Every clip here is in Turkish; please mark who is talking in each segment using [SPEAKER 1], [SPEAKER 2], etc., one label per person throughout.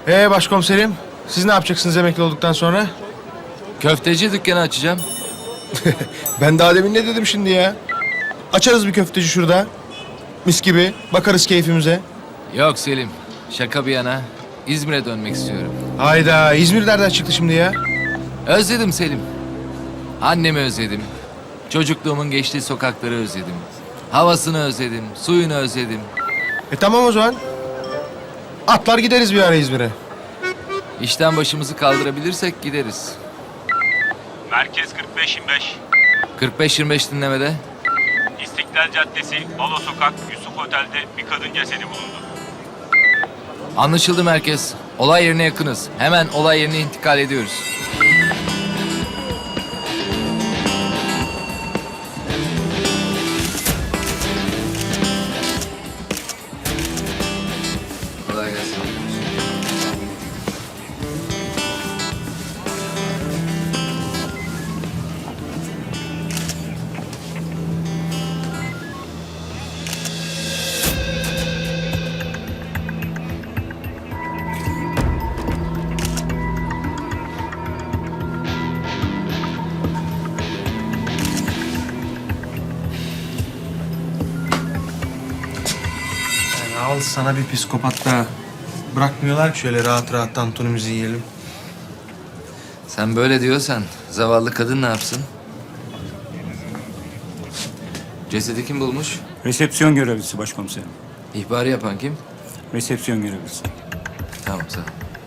[SPEAKER 1] Başkomiserim, siz ne yapacaksınız emekli olduktan sonra?
[SPEAKER 2] Köfteci dükkanı açacağım.
[SPEAKER 1] Ben daha demin ne dedim şimdi ya? Açarız bir köfteci şurada. Mis gibi, bakarız keyfimize.
[SPEAKER 2] Yok Selim, şaka bir yana. İzmir'e dönmek istiyorum.
[SPEAKER 1] Hayda, İzmir nereden çıktı şimdi ya?
[SPEAKER 2] Özledim Selim. Annemi özledim. Çocukluğumun geçtiği sokakları özledim. Havasını özledim, suyunu özledim.
[SPEAKER 1] Tamam o zaman. Atlar gideriz bir ara İzmir'e.
[SPEAKER 2] İşten başımızı kaldırabilirsek gideriz.
[SPEAKER 3] Merkez 45-25.
[SPEAKER 2] 45-25 dinlemede.
[SPEAKER 3] İstiklal Caddesi, Balo Sokak, Yusuf Otel'de bir kadın cesedi bulundu.
[SPEAKER 2] Anlaşıldı merkez. Olay yerine yakınız. Hemen olay yerine intikal ediyoruz. Kolay gelsin.
[SPEAKER 1] Al sana bir psikopat daha. Bırakmıyorlar ki şöyle rahat rahat tantunimizi yiyelim.
[SPEAKER 2] Sen böyle diyorsan zavallı kadın ne yapsın? Cesedi kim bulmuş?
[SPEAKER 4] Resepsiyon görevlisi başkomiserim.
[SPEAKER 2] İhbarı yapan kim?
[SPEAKER 4] Resepsiyon görevlisi.
[SPEAKER 2] Tamam sağ ol.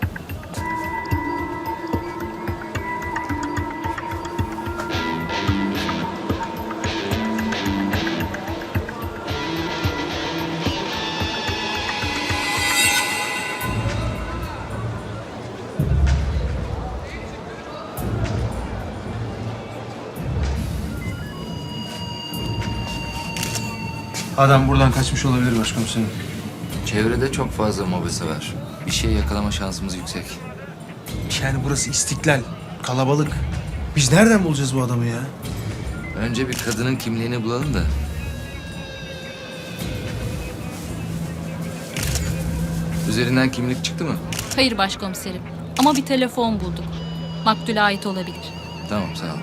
[SPEAKER 1] Adam buradan kaçmış olabilir başkomiserim.
[SPEAKER 2] Çevrede çok fazla mobese var. Bir şey yakalama şansımız yüksek.
[SPEAKER 1] Yani burası İstiklal, kalabalık. Biz nereden bulacağız bu adamı ya?
[SPEAKER 2] Önce bir kadının kimliğini bulalım da. Üzerinden kimlik çıktı mı?
[SPEAKER 5] Hayır başkomiserim. Ama bir telefon bulduk. Maktule ait olabilir.
[SPEAKER 2] Tamam sağ ol.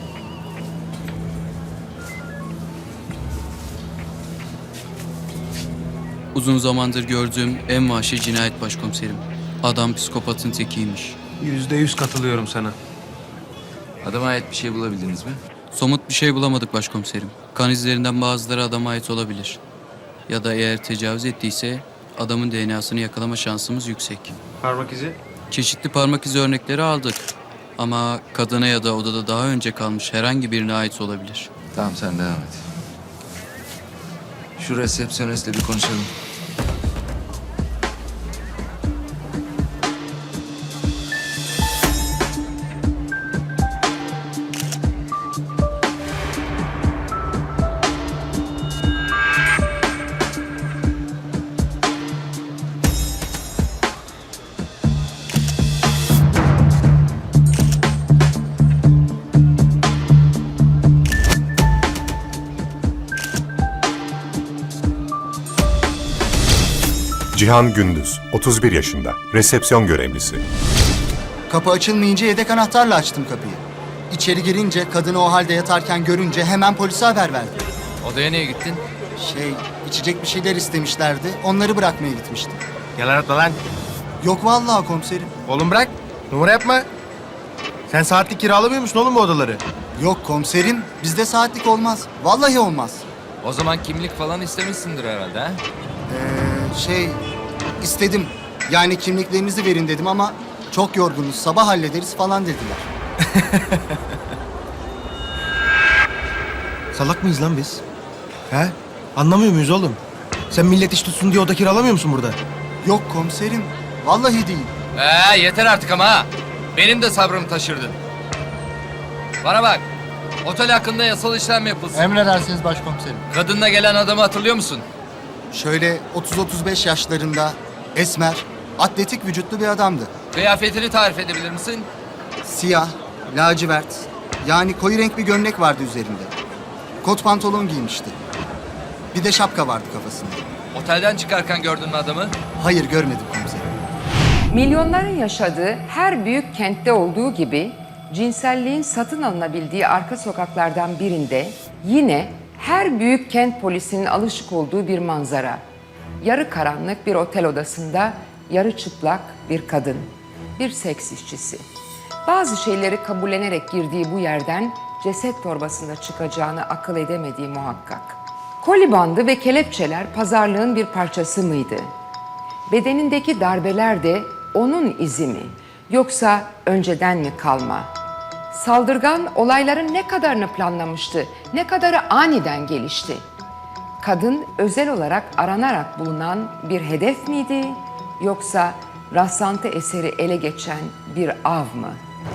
[SPEAKER 6] Uzun zamandır gördüğüm en vahşi cinayet başkomiserim. Adam psikopatın tekiymiş.
[SPEAKER 1] %100 katılıyorum sana.
[SPEAKER 2] Adama ait bir şey bulabildiniz mi?
[SPEAKER 6] Somut bir şey bulamadık başkomiserim. Kan izlerinden bazıları adama ait olabilir. Ya da eğer tecavüz ettiyse adamın DNA'sını yakalama şansımız yüksek.
[SPEAKER 1] Parmak izi?
[SPEAKER 6] Çeşitli parmak izi örnekleri aldık. Ama kadına ya da odada daha önce kalmış herhangi birine ait olabilir.
[SPEAKER 2] Tamam sen devam et. Şu resepsiyonistle bir konuşalım.
[SPEAKER 7] Cihan Gündüz, 31 yaşında, resepsiyon görevlisi.
[SPEAKER 8] Kapı açılmayınca yedek anahtarla açtım kapıyı. İçeri girince kadını o halde yatarken görünce hemen polise haber verdim.
[SPEAKER 2] Odaya niye gittin?
[SPEAKER 8] İçecek bir şeyler istemişlerdi. Onları bırakmaya gitmiştim.
[SPEAKER 1] Yalan atma lan.
[SPEAKER 8] Yok vallahi komiserim.
[SPEAKER 1] Oğlum bırak. Numara yapma. Sen saatlik kiralamıyor musun oğlum bu odaları?
[SPEAKER 8] Yok komiserim. Bizde saatlik olmaz. Vallahi olmaz.
[SPEAKER 2] O zaman kimlik falan istemişsindir herhalde ha?
[SPEAKER 8] İstedim. Yani kimliklerinizi verin dedim ama çok yorgunuz. Sabah hallederiz falan dediler.
[SPEAKER 1] Salak mıyız lan biz? He? Anlamıyor muyuz oğlum? Sen millet iş tutsun diye oda kiralamıyor musun burada?
[SPEAKER 8] Yok komiserim. Vallahi değil.
[SPEAKER 2] Yeter artık ama ha. Benim de sabrımı taşırdın. Bana bak. Otel hakkında yasal işlem yapılsın.
[SPEAKER 8] Emredersiniz başkomiserim.
[SPEAKER 2] Kadınla gelen adamı hatırlıyor musun?
[SPEAKER 8] Şöyle 30-35 yaşlarında, esmer, atletik vücutlu bir adamdı.
[SPEAKER 2] Kıyafetini tarif edebilir misin?
[SPEAKER 8] Siyah, lacivert, yani koyu renk bir gömlek vardı üzerinde. Kot pantolon giymişti. Bir de şapka vardı kafasında.
[SPEAKER 2] Otelden çıkarken gördün mü adamı?
[SPEAKER 8] Hayır görmedim komiserim.
[SPEAKER 9] Milyonların yaşadığı her büyük kentte olduğu gibi cinselliğin satın alınabildiği arka sokaklardan birinde yine her büyük kent polisinin alışık olduğu bir manzara. Yarı karanlık bir otel odasında yarı çıplak bir kadın, bir seks işçisi. Bazı şeyleri kabullenerek girdiği bu yerden ceset torbasında çıkacağını akıl edemediği muhakkak. Koli bandı ve kelepçeler pazarlığın bir parçası mıydı? Bedenindeki darbeler de onun izi mi? Yoksa önceden mi kalma? Saldırgan olayların ne kadarını planlamıştı, ne kadarı aniden gelişti? Kadın özel olarak aranarak bulunan bir hedef miydi? Yoksa rastlantı eseri ele geçen bir av mı?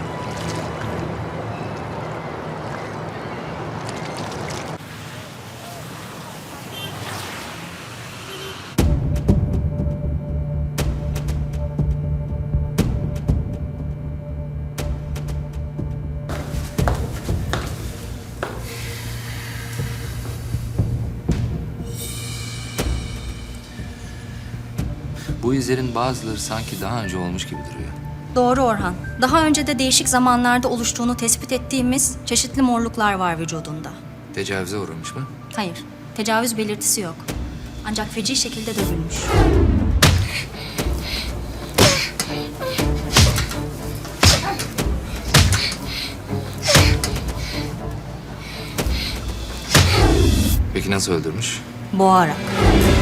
[SPEAKER 2] Bu izlerin bazıları sanki daha önce olmuş gibi duruyor.
[SPEAKER 10] Doğru Orhan. Daha önce de değişik zamanlarda oluştuğunu tespit ettiğimiz çeşitli morluklar var vücudunda.
[SPEAKER 2] Tecavüze uğramış mı?
[SPEAKER 10] Hayır, tecavüz belirtisi yok. Ancak feci şekilde dövülmüş.
[SPEAKER 2] Peki nasıl öldürmüş?
[SPEAKER 10] Boğarak.